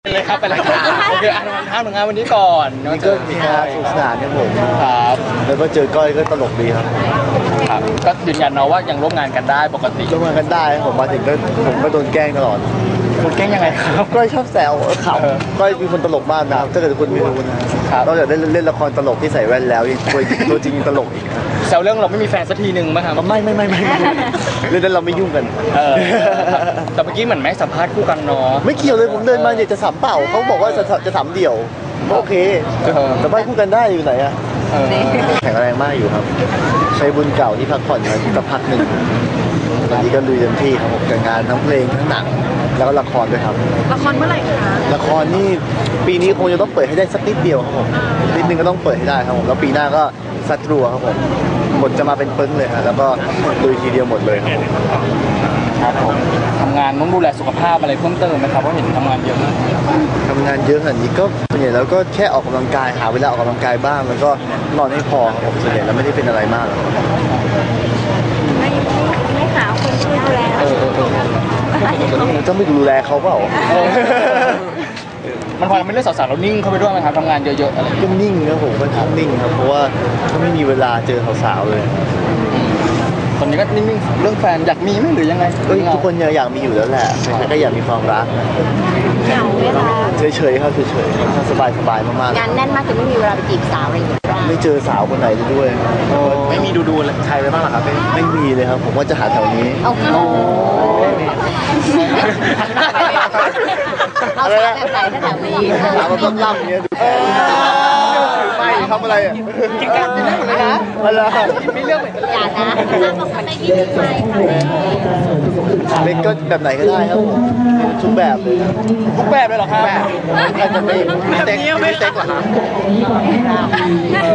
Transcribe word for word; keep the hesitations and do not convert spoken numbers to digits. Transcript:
เลยครับไปเลยครับโอเคอ่านวันท่าหนึ่งงานวันนี้ก่อนนี่ก็มีงานสนุกสนานครับผมครับแล้วก็เจอก้อยก็ตลกดีครับครับก็ยืนยันเนาะว่ายังร่วมงานกันได้ปกติร่วมงานกันได้ผมมาถึงก็ผมก็โดนแกล้งตลอดคุณแกล้งยังไงครับก้อยชอบแซวขำก้อยเป็นคนตลกมากนะครับถ้าเกิดคุณไม่รู้นะนอกจากเล่นเล่นละครตลกที่ใส่แว่นแล้วยังตัวตัวจริงตลกอีกแซวเรื่องเราไม่มีแฟนสักทีหนึ่งไหมครับไม่ไม่ไม่ไม่เรื่องนั้นเราไม่ยุ่งกันแต่เมื่อกี้เหมือนแม่สัมภาษณ์คู่กันเนาะไม่เกี่ยวเลยผมเดินมาเนี่ยจะสัมเปล่าเขาบอกว่าจะจะสัมเดี่ยวโอเคแต่ไม่คู่กันได้อยู่ไหนอะแข็งแรงมากอยู่ครับใช้บุญเก่าที่พักผ่อนมาสักพักหนึ่งตอนนี้ก็ลุยเต็มที่ครับผมกับงานทั้งเพลงทั้งหนังแล้วก็ละครด้วยครับละครเมื่อไหร่คะละครนี่ปีนี้คงจะต้องเปิดให้ได้สักนิดเดียวครับผมนิดนึงก็ต้องเปิดให้ได้ครับผมแล้วปีหน้าก็สัตรัวครับผมหมดจะมาเป็นปึ้งเลยครับแล้วก็ลุยทีเดียวหมดเลยครับครับผมทำงานต้องดูแลสุขภาพอะไรเพิ่มเติมไหมครับเพราะเห็นทำงานเยอะมากทำงานเยอะขนาดนี้ก็ส่วนใหญ่แล้วก็แค่ออกกำลังกายหาเวลาออกกำลังกายบ้างแล้วก็นอนให้พอครับผมส่วนใหญ่แล้วไม่ได้เป็นอะไรมากไม่ไม่หาคนช่วยดูแลเออเออเออจะไม่ดูแลเขาเปล่ามันพอไม่เลือกสาวๆเรานิ่งเข้าไปด้วยไหมครับทำงานเยอะๆอะไรก็นิ่งนะผมก็นิ่งครับเพราะว่าเขาไม่มีเวลาเจอสาวๆเลยตอนนี้ก็นิ่งๆเรื่องแฟนอยากมีไหมหรือยังไงทุกคนอยากมีอยู่แล้วแหละใครก็อยากมีความรักเหงาไหมคะเฉยๆครับเฉยๆสบายๆมากๆงานแน่นมากจนไม่มีเวลาไปจีบสาวอะไรอย่างเงี้ยไม่เจอสาวคนไหนเลยด้วยไม่มีดูๆใครไปบ้างหรอครับไม่มีเลยครับผมว่าจะหาแถวนี้โอ้โหเอาสาวแบบไหนถ้าแถวนี้ถามว่าล่ำๆเนี้ยดูไม่ทำอะไรอ่ะกินกันไม่ได้หมดเลยนะอะไรไม่เลือกเหมือนกันอย่านะถ้าบอกคนไหนที่ไม่ไปเล็กก็แบบไหนก็ได้ครับผมทุกแบบเลยทุกแบบเลยหรอครับแบบอาจจะไม่แบบนี้ไม่เต็กเหรอครับ